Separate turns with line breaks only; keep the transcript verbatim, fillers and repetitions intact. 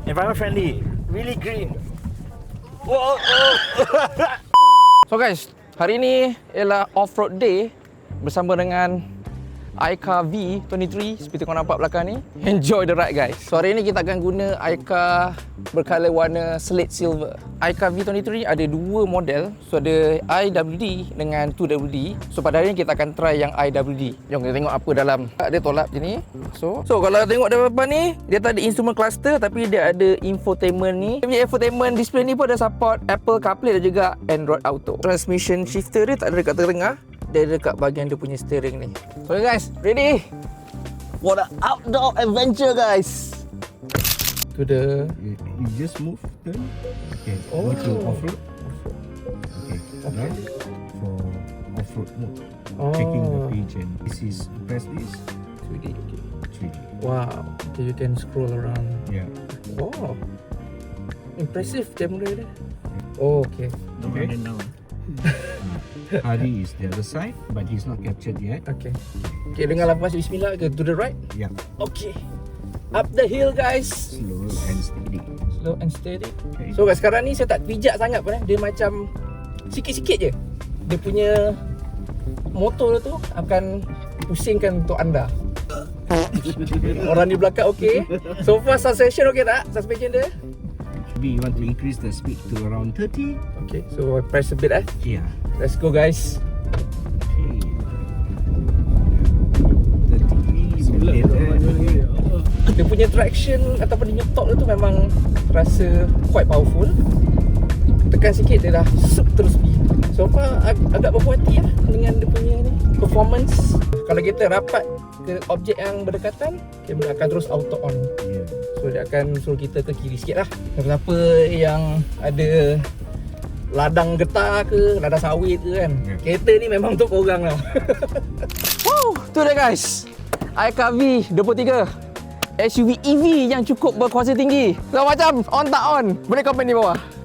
environment friendly, really green. Whoa, oh.
So guys, hari ni ialah off-road day bersama dengan Aika V dua puluh tiga seperti kau nampak belakang ni. Enjoy the ride guys. So hari ni kita akan guna Aika berkala warna slate silver. Aika V dua puluh tiga ada dua model. So ada I W D dengan two W D. So pada hari ni kita akan try yang I W D. Jom kita tengok apa dalam. Dia tolak macam ni. So so kalau tengok dari depan ni, dia tak ada instrument cluster tapi dia ada infotainment ni. Dia punya infotainment display ni pun ada support Apple CarPlay dan juga Android Auto. Transmission shifter dia tak ada dekat tengah. Dia dekat bahagian dia punya steering ni. Okay guys, ready for the outdoor adventure guys. To the
You, you just move, turn. Okay,
Oh.
go to off-road. Okay,
Okay.
now for off-road mode.
Oh.
Checking the page and this is, press this,
two D. Okay.
three D.
Wow. Okay, you can scroll around.
Yeah.
Oh. Impressive camera dia. Oh, okay.
Okay. Hari is the other side, but he's not captured yet.
Okay. Okay, dengan lepas bismillah ke to the right.
Yeah.
Okay. Up the hill guys.
Slow and steady.
Slow and steady.
Okay.
So guys, sekarang ni saya tak pijak sangat pun eh. Dia macam sikit-sikit je. Dia punya motor tu akan pusingkan untuk anda. Orang di belakang okey. So far suspension okey tak? Suspension dia?
Maybe you want to increase the speed to around thirty.
Okay, so press a bit eh.
Yeah.
Let's go guys.
Okay. thirty. Okay.
Dia punya traction ataupun dia punya torque tu memang terasa quite powerful. Tekan sikit dia dah sup terus pergi. So far ag- agak berpuas hati lah dengan dia punya ni performance. Kalau kita rapat ke objek yang berdekatan, kamera akan terus auto on.
Yeah.
So dia akan suruh kita ke kiri sikit lah. Siapa yang ada ladang getah ke, ladang sawit ke kan,
Yeah.
kereta ni memang untuk korang lah. Wow, tu dia guys, Aika V dua puluh tiga, S U V E V yang cukup berkuasa tinggi. So macam on tak on, boleh komen di bawah.